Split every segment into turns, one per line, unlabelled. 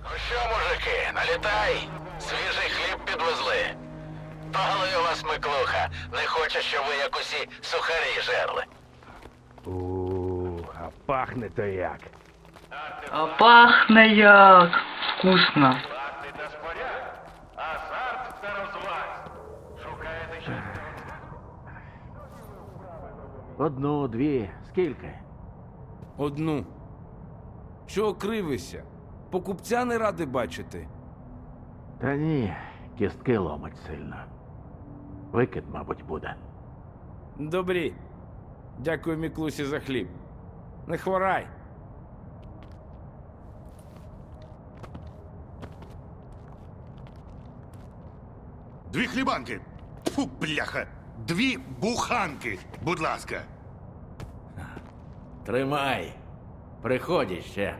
Ну що, мужики, налітай! Свіжий хліб підвезли. Палий у вас Миклуха. Не хоче, щоб ви як усі сухарі жерли.
А пахне то як.
А пахне як вкусно.
Факти та споряд. Азарт та розваг. Шукаєте щось?
Одну, дві, скільки?
Одну. Чого кривишся? Покупця не ради бачити.
Та ні, кістки ломить сильно. Викид, мабуть, буде.
Добрі. Дякую Міклусі за хліб. Не хворай.
Дві хлібанки. Фу, бляха. Дві буханки, будь ласка.
Тримай. Приходь ще.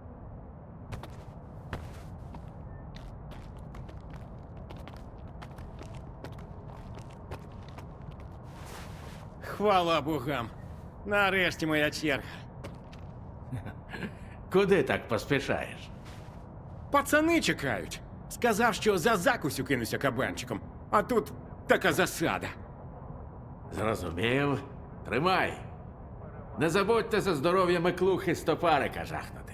Хвала богам. Нарешті моя черга.
Куди так поспішаєш?
Пацани чекають. Сказав, що за закусю кинуся кабанчиком. А тут така засада.
Зрозумів. Тримай. Не забудьте за здоров'я Миклухи стопарика жахнути.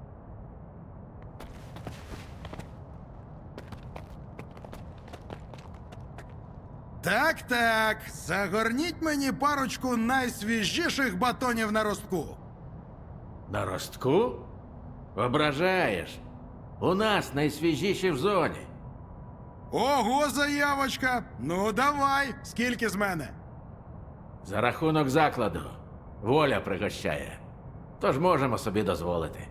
Так, загорніть мені парочку найсвіжіших батонів на ростку.
На ростку? Ображаєш. У нас найсвіжіші в зоні.
Ого, заявочка! Ну давай, скільки з мене?
За рахунок закладу. Воля пригощає. Тож можемо собі дозволити.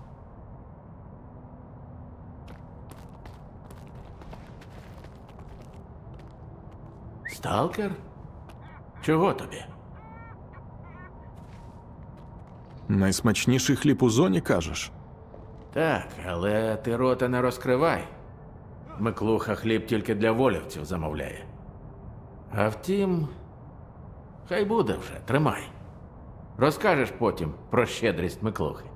Сталкер? Чого тобі?
Найсмачніший хліб у зоні, кажеш?
Так, але ти рота не розкривай. Миклуха хліб тільки для волівців замовляє. А втім, хай буде вже, тримай. Розкажеш потім про щедрість Миклухи.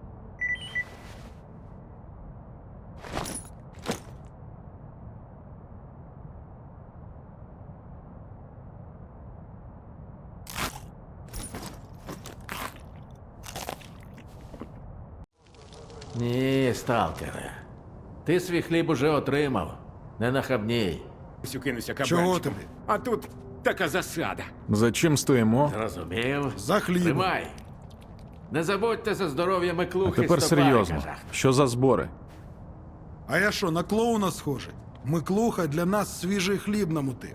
Ні, сталкере. Ти свій хліб уже отримав. Не нахабній.
Кинуся кабанчиком.
Чого тобі?
А тут така засада.
За чим стоїмо?
Зрозумів?
За хлібом.
Тримай. Не забудьте за здоров'я
А
Миклухи
тепер
стопарика
серйозно.
жахнути.
Що за збори?
А я що, на клоуна схожий? Миклуха для нас свіжий хліб намутив.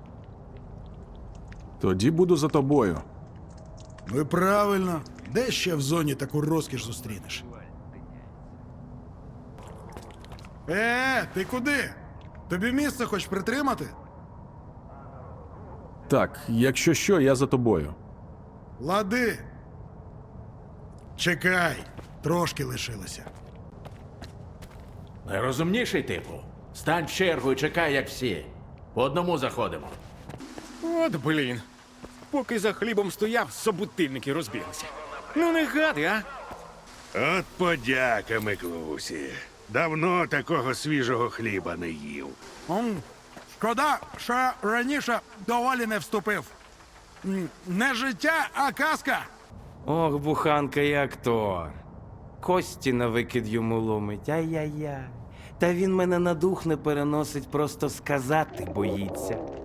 Тоді буду за тобою.
Ну і правильно. Де ще в зоні таку розкіш зустрінеш? Ти куди? Тобі місце хоч притримати?
Так, якщо що, я за тобою.
Лади. Чекай, трошки лишилося.
Найрозумніший типу. Стань в чергу і чекай, як всі. По одному заходимо.
От блін. Поки за хлібом стояв, собутильники розбіглися. Ну не гади, а?
От подяка, Миклусі. Давно такого свіжого хліба не їв.
Шкода, що раніше до Валі не вступив. Не життя, а казка.
Ох, буханка і актор. Кості на викид йому ломить. Ай-яй-яй. Та він мене на дух не переносить, просто сказати боїться.